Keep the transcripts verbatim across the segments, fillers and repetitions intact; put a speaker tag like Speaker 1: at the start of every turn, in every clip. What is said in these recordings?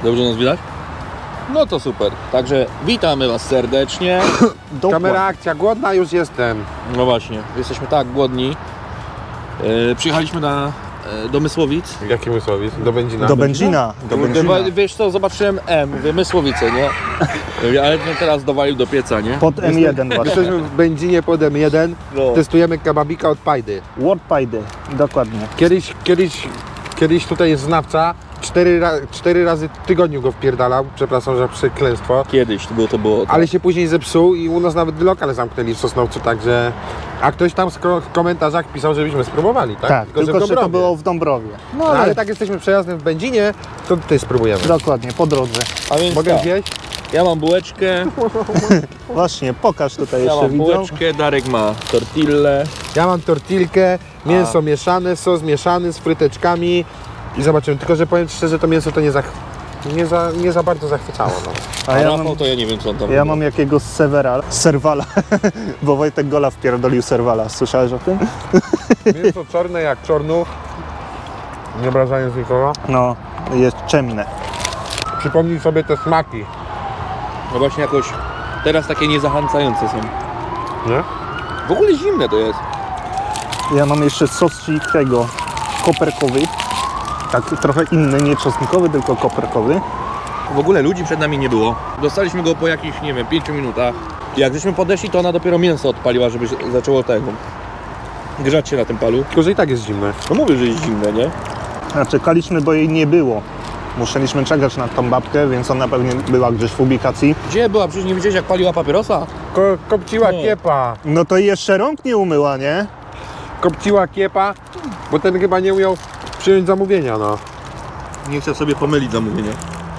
Speaker 1: Dobrze nas widać? No to super. Także witamy Was serdecznie.
Speaker 2: Kamera akcja, głodna już jestem.
Speaker 1: No właśnie, jesteśmy tak głodni. Yy, przyjechaliśmy na yy, do Mysłowic.
Speaker 2: Jaki Mysłowic? Do Będzina?
Speaker 3: Do Będzina. Do Będzina.
Speaker 1: Wiesz co, zobaczyłem M, mówię Mysłowice, nie? Ale no teraz dowalił do pieca, nie?
Speaker 3: Pod M jeden właśnie.
Speaker 2: Jesteśmy w Będzinie pod M jeden.
Speaker 1: No.
Speaker 2: Testujemy kebabika od Pajdy.
Speaker 3: Wordpajdy, dokładnie.
Speaker 2: Kiedyś, kiedyś, kiedyś tutaj jest znawca. Cztery, ra cztery razy w tygodniu go wpierdalał. Przepraszam za przekleństwo.
Speaker 1: Kiedyś to było, to było.
Speaker 2: Ale się później zepsuł i u nas nawet lokal zamknęli w Sosnowcu, także... A ktoś tam w komentarzach pisał, żebyśmy spróbowali, tak?
Speaker 3: Tak, tylko,
Speaker 2: że,
Speaker 3: że to było w Dąbrowie.
Speaker 2: No ale... ale tak jesteśmy przejazdem w Będzinie, to tutaj spróbujemy.
Speaker 3: Dokładnie, po drodze.
Speaker 1: A więc
Speaker 2: Mogę
Speaker 1: tak,
Speaker 2: wziąć?
Speaker 1: ja mam bułeczkę,
Speaker 3: Właśnie, pokaż tutaj
Speaker 1: ja
Speaker 3: jeszcze
Speaker 1: mam
Speaker 3: widzą.
Speaker 1: bułeczkę, Darek ma tortillę.
Speaker 2: Ja mam tortilkę, mięso
Speaker 1: A.
Speaker 2: mieszane, sos mieszany z fryteczkami i zobaczymy. Tylko, że powiem szczerze, to mięso to nie za, nie za, nie za bardzo zachwycało. No.
Speaker 1: A,
Speaker 3: A ja
Speaker 1: Rafał
Speaker 3: mam,
Speaker 1: to ja nie wiem co on tam
Speaker 3: ja
Speaker 1: robi.
Speaker 3: mam jakiegoś serwera, serwala, bo Wojtek Gola wpierdolił serwala. Słyszałeś o tym?
Speaker 2: Mięso czarne jak czornuch, nie obrażając nikogo.
Speaker 3: No, jest ciemne.
Speaker 2: Przypomnij sobie te smaki,
Speaker 1: No właśnie jakoś teraz takie niezachęcające są.
Speaker 2: nie?
Speaker 1: W ogóle zimne to jest.
Speaker 3: Ja mam jeszcze sosik tego koperkowy. Tak trochę inny, nie czosnkowy, tylko koperkowy.
Speaker 1: W ogóle ludzi przed nami nie było. Dostaliśmy go po jakichś, nie wiem, pięciu minutach. Jak żeśmy podeszli, to ona dopiero mięso odpaliła, żeby się zaczęło tego grzać się na tym palu.
Speaker 2: Tylko, że i tak jest zimne.
Speaker 1: No mówię, że jest zimne, nie?
Speaker 3: A czekaliśmy, bo jej nie było. Musieliśmy czekać na tą babkę, więc ona pewnie była gdzieś w ubikacji.
Speaker 1: Gdzie była? Przecież nie widziałeś jak paliła papierosa?
Speaker 2: Ko kopciła
Speaker 1: No.
Speaker 2: kiepa,
Speaker 3: No to jeszcze rąk nie umyła, nie?
Speaker 2: kopciła kiepa, bo ten chyba nie umiał przyjąć zamówienia, no.
Speaker 1: Nie chciał sobie pomylić zamówienia.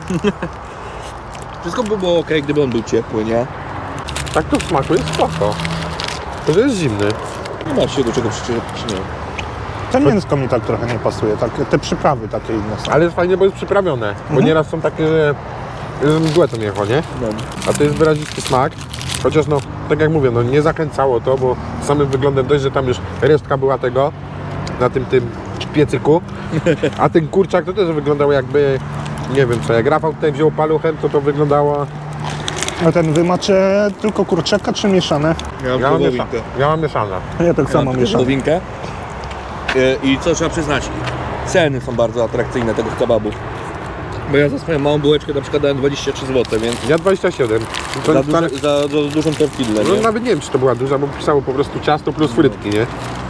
Speaker 1: Wszystko by było ok, gdyby on był ciepły, nie?
Speaker 2: Tak to w smaku jest spoko. To, że jest zimny.
Speaker 1: Nie ma się do czego przyczepić, nie.
Speaker 3: To mięsko mi tak trochę nie pasuje, tak, te przyprawy takie inne są.
Speaker 2: Ale jest fajnie, bo jest przyprawione. Bo
Speaker 3: Mhm.
Speaker 2: nieraz są takie, że że mgłę to mięcho, nie?
Speaker 1: No.
Speaker 2: A to jest wyrazisty smak. Chociaż no, tak jak mówię, no nie zachęcało to, bo samym wyglądem dość, że tam już resztka była tego na tym tym piecyku. A ten kurczak to też wyglądał jakby, nie wiem co, jak Rafał tutaj wziął paluchem, to to wyglądało...
Speaker 3: A ten wy macie tylko kurczaka czy mieszane?
Speaker 1: Ja mam
Speaker 2: Ja mam, miesza...
Speaker 1: wołowinkę.
Speaker 2: ja mam mieszane.
Speaker 3: Ja tak
Speaker 1: Ja
Speaker 3: samo
Speaker 1: mam
Speaker 3: mieszam.
Speaker 1: wołowinkę. Y, I co trzeba przyznać, ceny są bardzo atrakcyjne tego kebabu. Bo ja za swoją małą bułeczkę na przykład dałem dwadzieścia trzy złote, więc
Speaker 2: Ja dwadzieścia siedem. To
Speaker 1: za,
Speaker 2: wcale-
Speaker 1: duże, za, za dużą tortillę,
Speaker 2: No
Speaker 1: nie?
Speaker 2: nawet nie wiem, czy to była duża, bo pisało po prostu ciasto plus frytki, nie?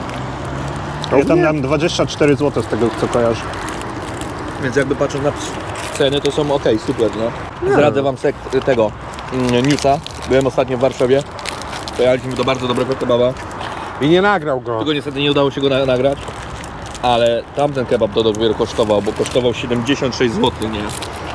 Speaker 3: Ja tam dam dwadzieścia cztery złote z tego, co kojarzę.
Speaker 1: Więc jakby patrząc na ceny, to są ok, super, nie?
Speaker 2: Nie.
Speaker 1: Zdradzę wam sek- tego mm, newsa. Byłem ostatnio w Warszawie. Pojechaliśmy do bardzo dobrego kebaba.
Speaker 2: I nie nagrał go.
Speaker 1: Tylko niestety nie udało się go na- nagrać. Ale tamten kebab to dopiero kosztował, bo kosztował siedemdziesiąt sześć złotych, nie?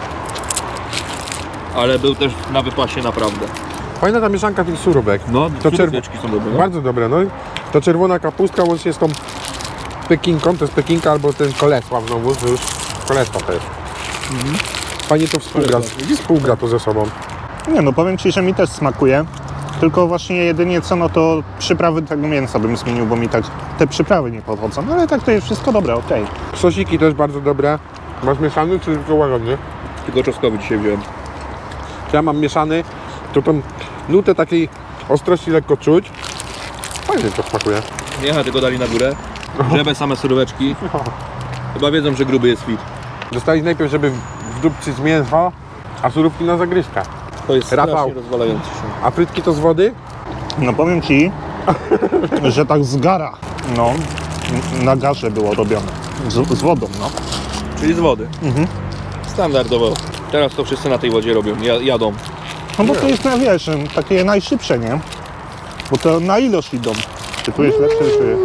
Speaker 1: Ale był też na wypasie naprawdę.
Speaker 2: Fajna ta mieszanka tych surówek.
Speaker 1: No,
Speaker 2: To czerw-
Speaker 1: suróweczki są dobre, no?
Speaker 2: Bardzo dobre, no. To czerwona kapustka łącznie z tą pekinką, to jest pekinka albo ten kolesław znowu, to już kolesław to jest. Fajnie to współgra,
Speaker 1: Kolesław.
Speaker 2: współgra to ze sobą.
Speaker 3: Nie no, powiem Ci, że mi też smakuje. Tylko właśnie jedynie co, no to przyprawy tego mięsa bym zmienił, bo mi tak te przyprawy nie podchodzą. No ale tak to jest wszystko dobre, okej.
Speaker 2: Sosiki też bardzo dobre. Masz mieszany czy tylko łagodny?
Speaker 1: Tylko czosnkowy dzisiaj wziąłem.
Speaker 2: Ja mam mieszany, to tą nutę takiej ostrości lekko czuć. Fajnie to smakuje.
Speaker 1: Nie, tylko dali na górę. Żeby same suróweczki. Chyba wiedzą, że gruby jest fit.
Speaker 2: Dostali najpierw, żeby wdupczyć mięso, a surówki na zagryzkę.
Speaker 1: To jest
Speaker 2: Rafał.
Speaker 1: strasznie rozwalający się.
Speaker 2: A frytki to z wody?
Speaker 3: No powiem Ci, że tak z gara, no, na garze było robione. Z, z wodą, no.
Speaker 1: Czyli z wody.
Speaker 3: Mhm.
Speaker 1: Standardowo. Teraz to wszyscy na tej wodzie robią, ja- jadą.
Speaker 3: No bo to jest, na wiesz, takie najszybsze, nie? Bo to na ilość idą. Czy tu jest lepsze, czy...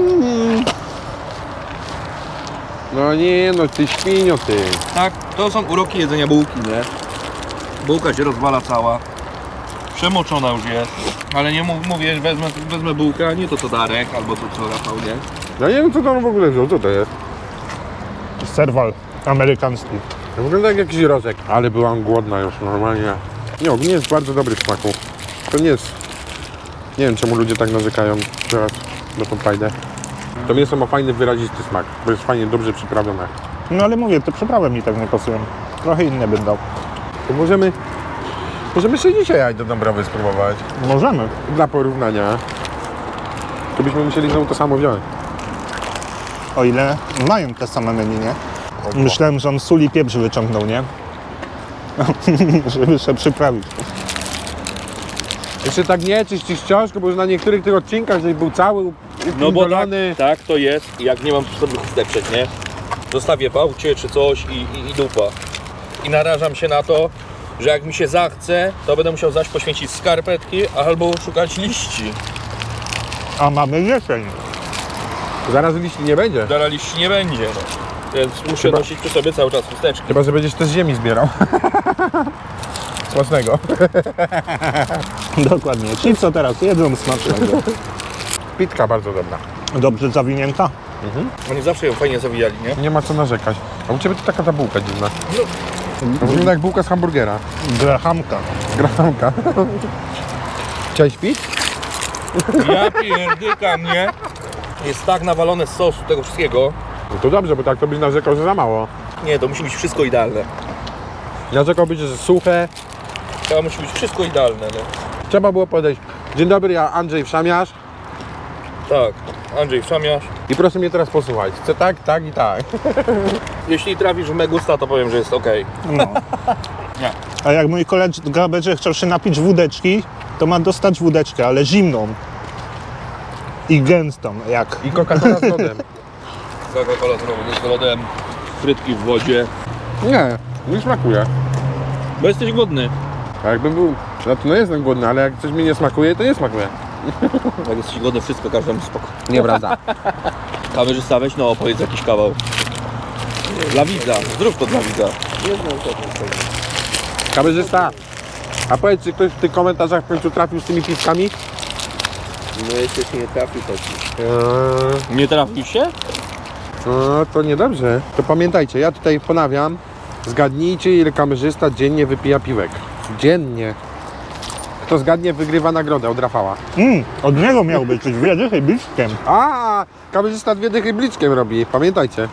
Speaker 2: No nie, no ty świnio ty.
Speaker 1: Tak, to są uroki jedzenia bułki, nie? Bułka się rozwala cała. Przemoczona już jest. Ale nie mów, mówię, wezmę, wezmę bułkę, a nie to co Darek, albo to co Rafał, nie?
Speaker 2: Ja nie wiem co tam w ogóle wziął, co to jest?
Speaker 3: Serwal amerykański.
Speaker 2: Wygląda jak jakiś rożek. Ale byłam głodna już normalnie. Nie, ogólnie jest bardzo dobry w smaku. To nie jest... Nie wiem czemu ludzie tak narzekają teraz na tą fajdę. To mięso ma fajny, wyrazisty smak, bo jest fajnie, dobrze przyprawione.
Speaker 3: No ale mówię, te przyprawy mi tak nie pasują. Trochę inne bym dał.
Speaker 2: To możemy... Możemy sobie dzisiaj jaj do Dąbrowy spróbować.
Speaker 3: Możemy.
Speaker 2: Dla porównania. To byśmy musieli znowu to samo wziąć.
Speaker 3: O ile mają te same menu, nie? Myślałem, że on sól i pieprz wyciągnął, nie? Żeby się przyprawić.
Speaker 2: Jeszcze tak nie czyścić książkę, bo już na niektórych tych odcinkach, żeś był cały
Speaker 1: No bo tak,
Speaker 2: upindolony.
Speaker 1: tak to jest, jak nie mam przy sobie chusteczek, nie? Zostawię w aucie czy coś i, i, i dupa. I narażam się na to, że jak mi się zachce, to będę musiał zaś poświęcić skarpetki albo szukać liści.
Speaker 3: A mamy jesień.
Speaker 2: Zaraz liści nie będzie.
Speaker 1: Dalej liści nie będzie, no. Więc muszę
Speaker 2: Chyba-
Speaker 1: nosić przy sobie cały czas chusteczki.
Speaker 2: Chyba, że będziesz też z ziemi zbierał. Smacznego.
Speaker 3: Dokładnie. Ci co teraz jedzą smacznego.
Speaker 2: Pitka bardzo dobra.
Speaker 3: Dobrze zawinięta?
Speaker 1: Oni zawsze ją fajnie zawijali, nie?
Speaker 2: Nie ma co narzekać. A u Ciebie to taka ta bułka dziwna. To wygląda jak bułka z hamburgera.
Speaker 3: Grahamka.
Speaker 2: Grahamka. Chciałeś pić?
Speaker 1: Ja pierdykam, nie? Jest tak nawalone z sosu tego wszystkiego.
Speaker 2: No to dobrze, bo tak to byś narzekał, że za mało.
Speaker 1: Nie, to musi być wszystko idealne.
Speaker 2: Narzekałbyś, że suche.
Speaker 1: To musi być wszystko idealne, no.
Speaker 2: Trzeba było podejść. Dzień dobry, ja Andrzej Wszamiarz.
Speaker 1: Tak, Andrzej Wszamiarz.
Speaker 2: I proszę mnie teraz posłuchać. Chcę tak, tak i tak.
Speaker 1: Jeśli trafisz w Megusta, to powiem, że jest ok.
Speaker 3: No.
Speaker 1: Nie.
Speaker 3: A jak mój kolega będzie chciał się napić wódeczki, to ma dostać wódeczkę, ale zimną. I gęstą, jak.
Speaker 2: I Coca-Cola z lodem.
Speaker 1: Coca-Cola z lodem, frytki w wodzie.
Speaker 2: Nie, nie smakuje.
Speaker 1: Bo jesteś głodny.
Speaker 2: A jakbym był... No to no jestem głodny, ale jak coś mi nie smakuje, to nie smakuje.
Speaker 1: Jak jesteś głodny, wszystko każdemu spoko.
Speaker 2: Nieprawda.
Speaker 1: Kamerzysta, weź no opowiedz jakiś kawał. Dla widza, zrób to dla widza.
Speaker 2: Kamerzysta, a powiedz, czy ktoś w tych komentarzach w końcu trafił z tymi piwkami?
Speaker 1: No jeszcze się nie trafił taki.
Speaker 2: Eee,
Speaker 1: Nie trafił się?
Speaker 2: no to niedobrze. To pamiętajcie, ja tutaj ponawiam. Zgadnijcie, ile kamerzysta dziennie wypija piwek. Dziennie. Kto zgadnie, wygrywa nagrodę od Rafała.
Speaker 3: Mm, od niego miał być coś wiedzy chybickiem.
Speaker 2: A, kamerzysta dwie dychy bliczkiem robi, pamiętajcie.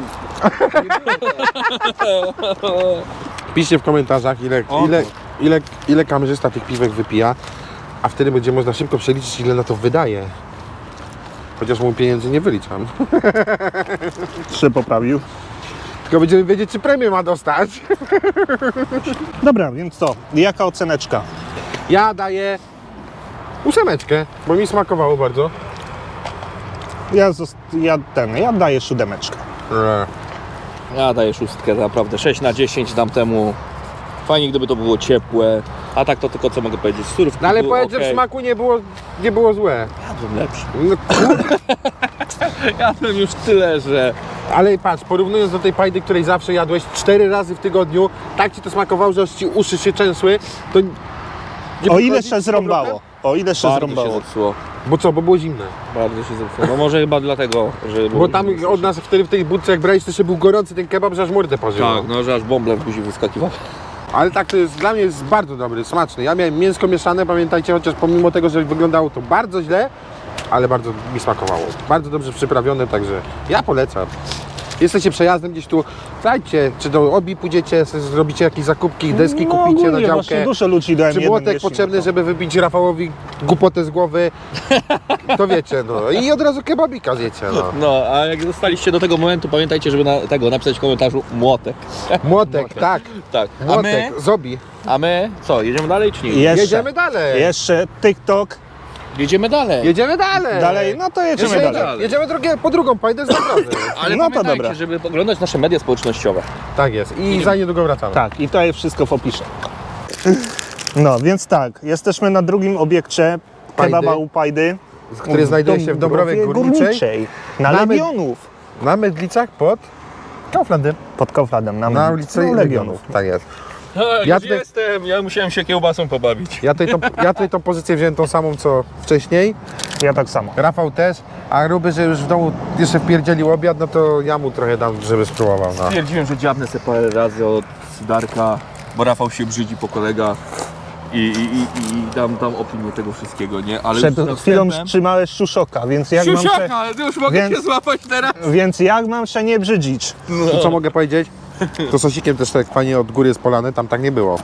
Speaker 2: Piszcie w komentarzach, ile,
Speaker 1: O,
Speaker 2: ile, ile, ile kamerzysta tych piwek wypija, a wtedy będzie można szybko przeliczyć, ile na to wydaje. Chociaż mu pieniędzy nie wyliczam.
Speaker 3: Się poprawił.
Speaker 2: Tylko będziemy wiedzieć, czy premię ma dostać.
Speaker 3: Dobra, więc co? Jaka oceneczka?
Speaker 2: Ja daję ósemeczkę, bo mi smakowało bardzo.
Speaker 3: Ja, zost- ja ten, ja daję siódemeczkę.
Speaker 1: Ja daję szóstkę, naprawdę. sześć na dziesięć dam temu. Fajnie, gdyby to było ciepłe. A tak to tylko co mogę powiedzieć. Surówki
Speaker 2: No ale
Speaker 1: było
Speaker 2: powiedz, że w
Speaker 1: okej.
Speaker 2: smaku nie było, nie było złe.
Speaker 1: Jadłem lepszy.
Speaker 2: No,
Speaker 1: Jadłem już tyle, że...
Speaker 2: ale patrz, porównując do tej pajdy, której zawsze jadłeś cztery razy w tygodniu, tak ci to smakowało, że aż ci uszy się trzęsły, to... nie
Speaker 3: O ile
Speaker 2: podchodzi
Speaker 3: się
Speaker 2: z powrotem?
Speaker 3: zrąbało? O ile się
Speaker 1: Bardzo się
Speaker 3: zrąbało?
Speaker 1: zepsuło.
Speaker 2: Bo co, bo było zimne.
Speaker 1: Bardzo się zepsuło. No może chyba dlatego, że...
Speaker 2: Bo tam od nas wtedy w tej budce jak brałeś, to jeszcze był gorący ten kebab, że aż mordę parzyło.
Speaker 1: Tak, no że aż bąble w buzi wyskakiwał.
Speaker 2: Ale tak to jest, dla mnie jest bardzo dobry, smaczny. Ja miałem mięsko mieszane, pamiętajcie, chociaż pomimo tego, że wyglądało to bardzo źle, ale bardzo mi smakowało. Bardzo dobrze przyprawione, także ja polecam. Jesteście przejazdem gdzieś tu, słuchajcie, czy do Obi pójdziecie, sobie zrobicie jakieś zakupki, deski
Speaker 3: No,
Speaker 2: kupicie na
Speaker 3: ogólnie właśnie
Speaker 2: działkę.
Speaker 3: dużo ludzi dałem
Speaker 2: Czy
Speaker 3: jeden
Speaker 2: młotek
Speaker 3: jeśli
Speaker 2: potrzebny,
Speaker 3: no to.
Speaker 2: żeby wybić Rafałowi głupotę z głowy, to wiecie, no. I od razu kebabika zjecie, no.
Speaker 1: No, a jak zostaliście do tego momentu, pamiętajcie, żeby na tego napisać w komentarzu młotek.
Speaker 2: Młotek, tak,
Speaker 1: Tak. A my?
Speaker 2: młotek, z Obi.
Speaker 1: A my? Co, jedziemy dalej czy nie?
Speaker 3: Jeszcze,
Speaker 2: Jedziemy dalej.
Speaker 3: jeszcze TikTok.
Speaker 1: Jedziemy dalej.
Speaker 2: Jedziemy dalej.
Speaker 3: Dalej, no to jedziemy
Speaker 2: Jedziemy,
Speaker 3: dalej.
Speaker 1: dalej.
Speaker 2: jedziemy drugie, po drugą pajdę z naprawdę.
Speaker 1: Ale
Speaker 3: No to
Speaker 1: pamiętajcie,
Speaker 3: dobra.
Speaker 1: żeby oglądać nasze media społecznościowe.
Speaker 2: Tak jest. I za niedługo wracamy.
Speaker 3: Tak, i to jest wszystko w opisie. No, więc tak, jesteśmy na drugim obiekcie
Speaker 2: Pajdy.
Speaker 3: kebaba u Pajdy.
Speaker 2: Który znajduje się w Dąbrowie Górniczej.
Speaker 3: Na
Speaker 2: Na
Speaker 3: Legionów.
Speaker 2: Na Mydlicach pod Kauflandem.
Speaker 3: Pod Kauflandem, na,
Speaker 2: Na ulicy
Speaker 3: no,
Speaker 2: Legionów. Tak jest.
Speaker 1: Ja
Speaker 2: Ja
Speaker 1: już
Speaker 2: tutaj-
Speaker 1: jestem, ja musiałem się kiełbasą pobawić.
Speaker 2: Ja tutaj, tą, ja tutaj tą pozycję wziąłem tą samą co wcześniej.
Speaker 3: Ja tak samo.
Speaker 2: Rafał też. A Ruby, że już w domu jeszcze wpierdzielił obiad, no to ja mu trochę dam, żeby spróbował. No.
Speaker 1: Stwierdziłem, że dziabnę sobie parę razy od Darka, bo Rafał się brzydzi po kolegach. I, i, i, i dam tam opinię tego wszystkiego, nie? Ale
Speaker 3: Przed
Speaker 1: już
Speaker 3: chwilą
Speaker 1: następem-
Speaker 3: wstrzymałeś szuszoka, więc jak, mam
Speaker 1: Siusiaka,
Speaker 3: się,
Speaker 1: ale ty już mogę
Speaker 3: Więc-
Speaker 1: cię złapać teraz.
Speaker 3: więc jak mam się nie brzydzić?
Speaker 2: I co mogę powiedzieć? To sosikiem też tak fajnie od góry jest polane, tam tak nie było.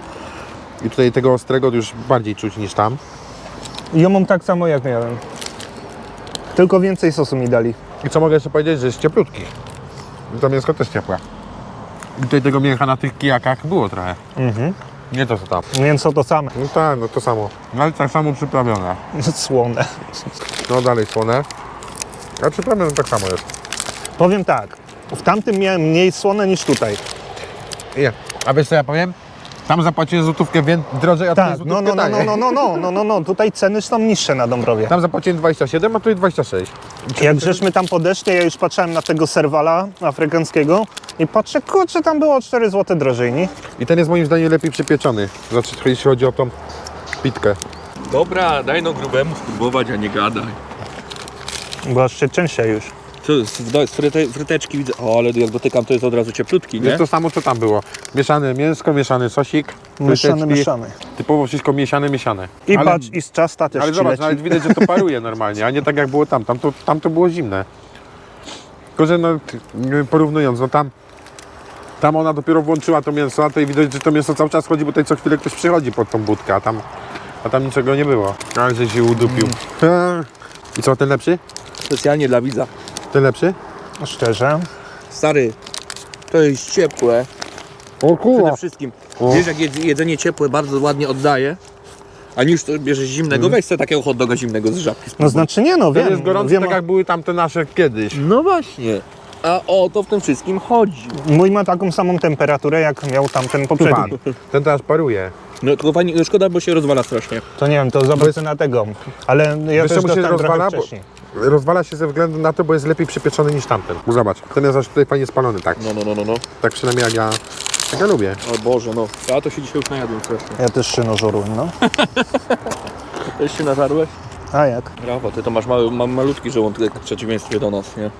Speaker 2: I tutaj tego ostrego już bardziej czuć niż tam.
Speaker 3: Ja mam tak samo jak miałem. Tylko więcej sosu mi dali.
Speaker 2: I co mogę jeszcze powiedzieć, że jest cieplutki. I to mięsko też ciepłe. I tutaj tego mięcha na tych kijakach było trochę.
Speaker 3: Mhm.
Speaker 2: Nie to co tam.
Speaker 3: Mięso to same.
Speaker 2: No tak, no to samo. No ale tak samo przyprawione.
Speaker 3: Słone.
Speaker 2: No dalej słone. A przyprawione tak samo jest.
Speaker 3: Powiem tak, w tamtym miałem mniej słone niż tutaj.
Speaker 2: Nie. A wiesz co ja powiem? Tam zapłaciłem złotówkę wię- drożej, a tutaj
Speaker 3: Tak,
Speaker 2: złotówkę
Speaker 3: no, no, no,
Speaker 2: taniej.
Speaker 3: no, no, no, no, no, no, tutaj ceny są niższe na Dąbrowie.
Speaker 2: Tam zapłaciłem dwadzieścia siedem, a tutaj dwadzieścia sześć.
Speaker 3: Jak żeśmy tam podeszli, ja już patrzyłem na tego serwala afrykańskiego i patrzę, kurczę, tam było cztery złote drożej, nie?
Speaker 2: I ten jest moim zdaniem lepiej przypieczony. Znaczy, jeśli chodzi o tą pitkę.
Speaker 1: Dobra, daj no grubemu spróbować, a nie gadaj.
Speaker 3: Bo aż się częściej już.
Speaker 1: Co, z, z fryte, fryteczki widzę. O, ale jak dotykam, to jest od razu cieplutki, nie?
Speaker 2: Jest to samo, co tam było. Mieszane mięsko, mieszany sosik.
Speaker 3: Mieszany,
Speaker 2: fryteczki.
Speaker 3: mieszany.
Speaker 2: Typowo wszystko mieszane, mieszane.
Speaker 3: I
Speaker 2: ale,
Speaker 3: patrz, i z ciasta też
Speaker 2: ale
Speaker 3: ci
Speaker 2: zobacz,
Speaker 3: leci.
Speaker 2: nawet widać, że to paruje normalnie, a nie tak jak było tam. Tam to, tam to było zimne. Tylko, że no, t- porównując, no tam tam ona dopiero włączyła to mięso, a tutaj widać, że to mięso cały czas chodzi, bo tutaj co chwilę ktoś przychodzi pod tą budkę, a tam, a tam niczego nie było. Ale że się udupił.
Speaker 3: Mm.
Speaker 2: I co, ten lepszy?
Speaker 1: Specjalnie dla widza.
Speaker 2: Ten lepszy?
Speaker 3: Szczerze.
Speaker 1: Stary, to jest ciepłe.
Speaker 2: O kurwa!
Speaker 1: Przede wszystkim.
Speaker 2: O.
Speaker 1: Wiesz, jak jedz- jedzenie ciepłe bardzo ładnie oddaje, a niż to bierzesz zimnego, weź sobie takiego hot doga zimnego z żabki.
Speaker 3: No
Speaker 1: spróbuj.
Speaker 3: znaczy nie, no
Speaker 2: To
Speaker 3: wiem.
Speaker 2: jest gorący,
Speaker 3: wiem
Speaker 2: tak jak były tamte nasze kiedyś.
Speaker 1: No właśnie. A o to w tym wszystkim chodzi.
Speaker 3: Mój ma taką samą temperaturę, jak miał tamten
Speaker 2: Pan.
Speaker 3: poprzedni.
Speaker 2: Ten teraz paruje.
Speaker 1: No tylko fajnie, no szkoda, bo się rozwala strasznie.
Speaker 3: To nie wiem, to zobaczę na tego. Ale ja
Speaker 2: Wiesz,
Speaker 3: też
Speaker 2: czemu się
Speaker 3: dostałem trochę
Speaker 2: rozwala? Bo
Speaker 3: wcześniej.
Speaker 2: rozwala się ze względu na to, bo jest lepiej przypieczony niż tamten. Zobacz, ten jest aż tutaj fajnie spalony, tak.
Speaker 1: No, no, no, no, no.
Speaker 2: Tak przynajmniej jak ja, jak ja lubię.
Speaker 1: O Boże, no. Ja to się dzisiaj już najadłem strasznie.
Speaker 3: Ja też szyno żarłem, no.
Speaker 1: Też się nażarłeś?
Speaker 3: A jak?
Speaker 1: Brawo, ty to masz mały, ma, malutki żołądek w przeciwieństwie do nas, nie?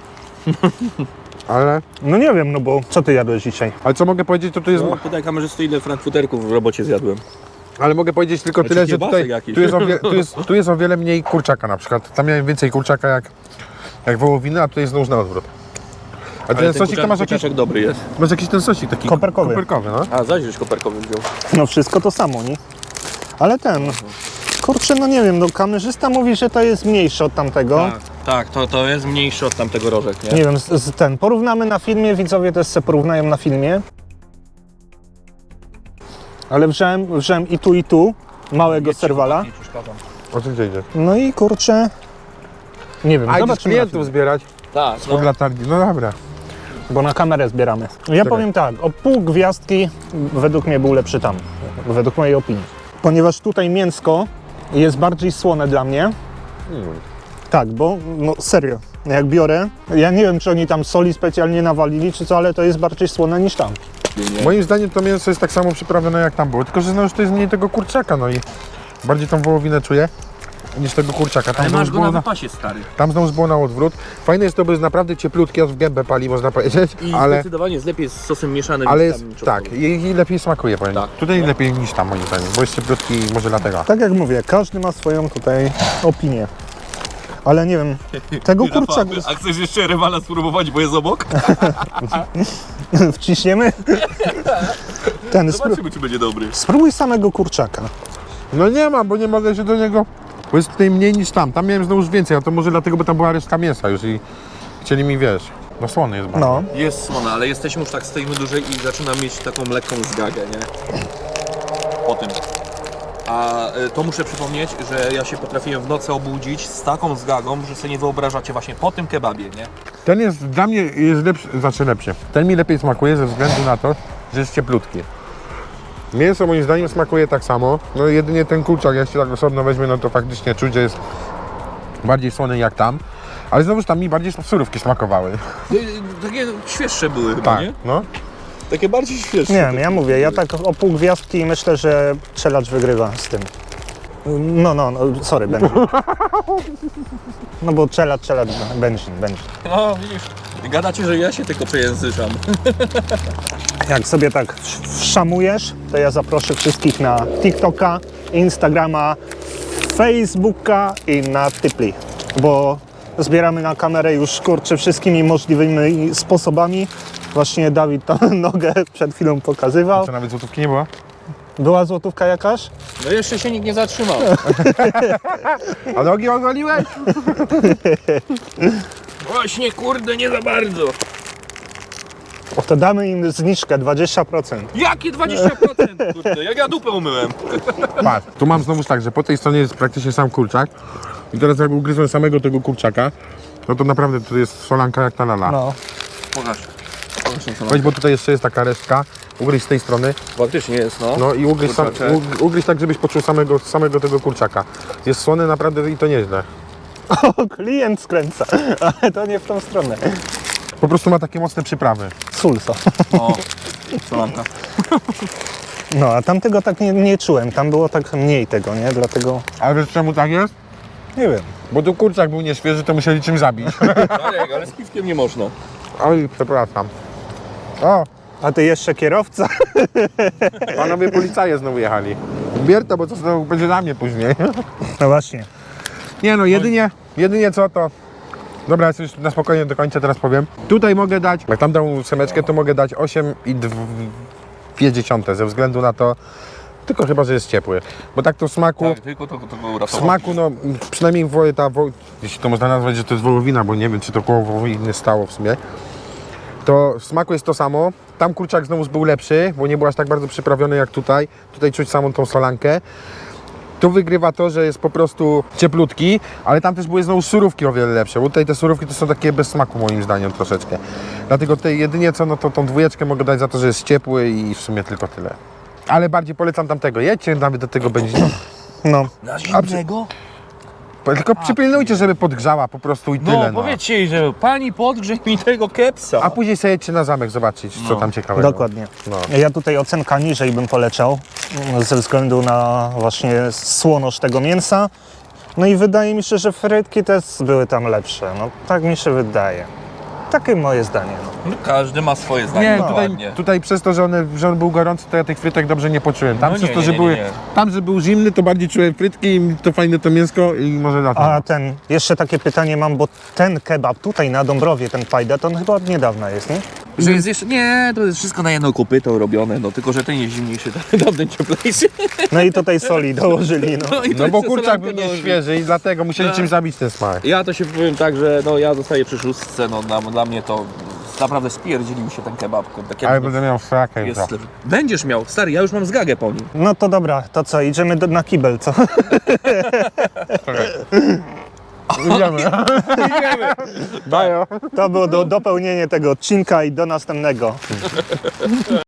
Speaker 2: Ale,
Speaker 3: No nie wiem, no bo co ty jadłeś dzisiaj?
Speaker 2: ale co mogę powiedzieć, to tu jest...
Speaker 1: No, pytaj kamerzysty, ile frankfuterków w robocie zjadłem.
Speaker 2: Ale mogę powiedzieć tylko
Speaker 1: Znaczy
Speaker 2: tyle, że
Speaker 1: kiełbasek
Speaker 2: tutaj
Speaker 1: jakiś.
Speaker 2: tu jest, o wie, tu, jest, tu jest o wiele mniej kurczaka na przykład. Tam miałem więcej kurczaka jak, jak wołowiny, a tutaj jest znów na odwrót. A ten sosik to masz jakiś,
Speaker 1: kurczaczek dobry jest.
Speaker 2: masz jakiś ten sosik taki
Speaker 3: Koperkowy.
Speaker 2: koperkowy, no.
Speaker 1: A, zaś żeś koperkowy wziął.
Speaker 3: No wszystko to samo, nie? Ale ten... Kurczę, no nie wiem, no kamerzysta mówi, że to jest mniejsze od tamtego.
Speaker 1: Tak, tak, to, to jest mniejszy od tamtego rożek, nie?
Speaker 3: Nie wiem, z, z ten, porównamy na filmie, widzowie też se porównają na filmie. Ale wziąłem, wziąłem i tu, i tu małego serwala.
Speaker 1: Nie przeszkadzam.
Speaker 2: O czym idzie?
Speaker 3: No i kurczę... Nie wiem,
Speaker 2: A idziesz
Speaker 3: zobaczymy na
Speaker 2: klientów
Speaker 3: filmie,
Speaker 2: zbierać
Speaker 1: Tak,
Speaker 2: od
Speaker 1: no.
Speaker 2: latarni. No dobra.
Speaker 3: bo na kamerę zbieramy. Ja
Speaker 2: Czekaj.
Speaker 3: powiem tak, o pół gwiazdki według mnie był lepszy tam, według mojej opinii. Ponieważ tutaj mięsko jest bardziej słone dla mnie.
Speaker 2: Mm.
Speaker 3: Tak, bo no serio, jak biorę, ja nie wiem, czy oni tam soli specjalnie nawalili, czy co, ale to jest bardziej słone niż tam.
Speaker 2: Moim zdaniem to mięso jest tak samo przyprawione jak tam było, tylko że no już to jest mniej tego kurczaka, no i bardziej tą wołowinę czuję niż tego kurczaka. Tam
Speaker 1: Ale
Speaker 2: znowu
Speaker 1: masz go
Speaker 2: było
Speaker 1: na
Speaker 2: na,
Speaker 1: wypasie, stary.
Speaker 2: tam znowu było na odwrót. Fajne jest to, bo jest naprawdę cieplutkie, aż w gębę pali, można powiedzieć,
Speaker 1: I
Speaker 2: ale...
Speaker 1: zdecydowanie jest lepiej z sosem mieszanym
Speaker 2: Ale
Speaker 1: niż
Speaker 2: jest,
Speaker 1: tam
Speaker 2: tak,
Speaker 1: czosnkowym.
Speaker 2: i, i lepiej smakuje, powiem.
Speaker 1: Tak.
Speaker 2: Tutaj lepiej niż tam, moim zdaniem, bo jest cieplutki i może dlatego.
Speaker 3: Tak jak mówię, każdy ma swoją tutaj opinię. Ale nie wiem, tego kurczaka
Speaker 1: A chcesz jeszcze rywala spróbować, bo jest obok?
Speaker 3: wciśniemy. Ten, spró
Speaker 1: Zobaczymy, czy będzie dobry.
Speaker 3: spróbuj samego kurczaka.
Speaker 2: No nie ma, bo nie mogę się do niego, bo jest tutaj mniej niż tam. Tam miałem znowu już więcej, a to może dlatego, bo tam była resztka mięsa już i chcieli mi, wiesz, no słony jest bardzo.
Speaker 3: No,
Speaker 1: Jest słona, ale jesteśmy już tak, stoimy dłużej i zaczynam mieć taką lekką zgagę, nie? Po tym. A y, to muszę przypomnieć, że ja się potrafiłem w nocy obudzić z taką zgagą, że sobie nie wyobrażacie właśnie po tym kebabie, nie?
Speaker 2: Ten jest, dla mnie jest lepszy, znaczy lepszy. Ten mi lepiej smakuje ze względu na to, że jest cieplutki. Mięso moim zdaniem smakuje tak samo, no jedynie ten kurczak, jak się tak osobno weźmie, no to faktycznie czuć, że jest bardziej słony jak tam. Ale znowuż tam mi bardziej surówki smakowały.
Speaker 1: Y, y, takie świeższe były chyba,
Speaker 2: Tak,
Speaker 1: nie?
Speaker 2: no.
Speaker 1: Takie bardziej świeższe.
Speaker 3: nie wiem, ja mówię, ja tak o pół gwiazdki myślę, że Czelacz wygrywa z tym. No, no, no sorry, Benji. No bo Czelacz, Czelacz, Benji, Benji.
Speaker 1: No widzisz, gadacie, że ja się tylko przejęzyczam.
Speaker 3: Jak sobie tak wszamujesz, to ja zaproszę wszystkich na TikToka, Instagrama, Facebooka i na Typli, bo zbieramy na kamerę już, kurczę, wszystkimi możliwymi sposobami. Właśnie Dawid tam nogę przed chwilą pokazywał.
Speaker 2: Co, nawet złotówki nie było?
Speaker 3: Była złotówka jakaś?
Speaker 1: No jeszcze się nikt nie zatrzymał.
Speaker 2: A nogi ogoliłeś?
Speaker 1: Właśnie, kurde, nie za bardzo.
Speaker 3: O, to damy im zniżkę dwadzieścia procent.
Speaker 1: Jakie dwadzieścia procent? Kurde, jak ja dupę umyłem.
Speaker 2: Patrz, tu mam znowu tak, że po tej stronie jest praktycznie sam kurczak. I teraz jak ugryzłem samego tego kurczaka, no to naprawdę to jest solanka jak ta lala.
Speaker 3: No.
Speaker 1: Pokaż. Pokaż tą
Speaker 2: Weź, bo tutaj jeszcze jest taka resztka. Ugryź z tej strony.
Speaker 1: Faktycznie jest, no.
Speaker 2: No i ugryź, sam,
Speaker 1: Kurczaczek.
Speaker 2: ug- ugryź tak, żebyś poczuł samego, samego tego kurczaka. Jest słony naprawdę i to nieźle.
Speaker 3: O, klient skręca, ale to nie w tą stronę.
Speaker 2: Po prostu ma takie mocne przyprawy.
Speaker 3: Sulso.
Speaker 1: O, solanka.
Speaker 3: No, a tamtego tak nie, nie czułem, tam było tak mniej tego, nie? Dlatego,
Speaker 2: Ale wiesz czemu tak jest?
Speaker 3: nie wiem.
Speaker 2: Bo tu kurczak był nieświeży, to musieli czymś zabić.
Speaker 1: Darek, ale z piwkiem nie można.
Speaker 2: Oj, przepraszam. O,
Speaker 3: A ty jeszcze kierowca?
Speaker 2: panowie policaje znowu jechali. Bier to, bo to znowu będzie na mnie później.
Speaker 3: No właśnie.
Speaker 2: Nie no, jedynie, jedynie co to... Dobra, jest już na spokojnie do końca teraz powiem. Tutaj mogę dać, jak tam dam ósemeczkę, to mogę dać osiem i dwie dziesiąte ze względu na to, tylko chyba, że jest ciepły. Bo tak to w smaku,
Speaker 1: Tak, tylko to, to go
Speaker 2: w
Speaker 1: uratowało.
Speaker 2: smaku no przynajmniej wo, ta, wo, jeśli to można nazwać, że to jest wołowina, bo nie wiem, czy to koło wołowiny stało w sumie, to w smaku jest to samo. Tam kurczak znowu był lepszy, bo nie był aż tak bardzo przyprawiony jak tutaj. Tutaj czuć samą tą solankę. Tu wygrywa to, że jest po prostu cieplutki, ale tam też były znowu surówki o wiele lepsze, bo tutaj te surówki to są takie bez smaku moim zdaniem troszeczkę. Dlatego tutaj jedynie co, no to tą dwójeczkę mogę dać za to, że jest ciepły i w sumie tylko tyle. Ale bardziej polecam tamtego. Jedźcie nawet do tego będzie.
Speaker 3: No,
Speaker 1: Na zimnego?
Speaker 2: Tylko przypilnujcie, żeby podgrzała po prostu i
Speaker 1: No,
Speaker 2: tyle. No.
Speaker 1: powiedzcie jej, że pani podgrzej mi tego kepsa.
Speaker 2: A później sobie jedźcie na zamek zobaczyć, co
Speaker 1: No.
Speaker 2: tam ciekawego.
Speaker 3: dokładnie.
Speaker 2: No.
Speaker 3: Ja tutaj ocenka niżej bym poleciał, mm, ze względu na właśnie słoność tego mięsa. No i wydaje mi się, że frytki też były tam lepsze. No, tak mi się wydaje. Takie moje zdanie. No.
Speaker 1: No, każdy ma swoje zdanie.
Speaker 2: Nie,
Speaker 1: no,
Speaker 2: tutaj,
Speaker 1: ładnie.
Speaker 2: tutaj przez to, że, one, że on był gorący, to ja tych frytek dobrze nie poczułem. Tam
Speaker 1: No
Speaker 2: przez
Speaker 1: nie,
Speaker 2: to,
Speaker 1: nie,
Speaker 2: że
Speaker 1: nie,
Speaker 2: były.
Speaker 1: nie, nie.
Speaker 2: Tam, że był zimny, to bardziej czułem frytki i to fajne to mięsko i może na to.
Speaker 3: A ten, jeszcze takie pytanie mam, bo ten kebab tutaj na Dąbrowie, ten fajda, to on chyba od niedawna jest, nie?
Speaker 1: Że jest jeszcze, nie, to jest wszystko na jedno kopyto robione, no tylko, że ten jest zimniejszy, tamten cieplejszy.
Speaker 3: No i tutaj soli dołożyli, no.
Speaker 1: i to
Speaker 2: No bo
Speaker 1: jeszcze
Speaker 2: kurczak
Speaker 1: solankę
Speaker 2: był
Speaker 1: dołożyli.
Speaker 2: nieświeży i dlatego musieli
Speaker 1: Tak.
Speaker 2: czymś zabić ten smak.
Speaker 1: Ja to się powiem tak, że no ja zostaję przy szóstce, no dla, dla mnie to naprawdę spierdzieli mi się ten kebab, kurde. kiedy
Speaker 2: Ale
Speaker 1: to
Speaker 2: będę miał frakę
Speaker 1: jest
Speaker 2: jutro.
Speaker 1: lepszy. Będziesz miał, stary, ja już mam zgagę po nim.
Speaker 3: No to dobra, to co, idziemy do, na kibel, co?
Speaker 2: Idziemy. Daję.
Speaker 3: To było do, dopełnienie tego odcinka i do następnego.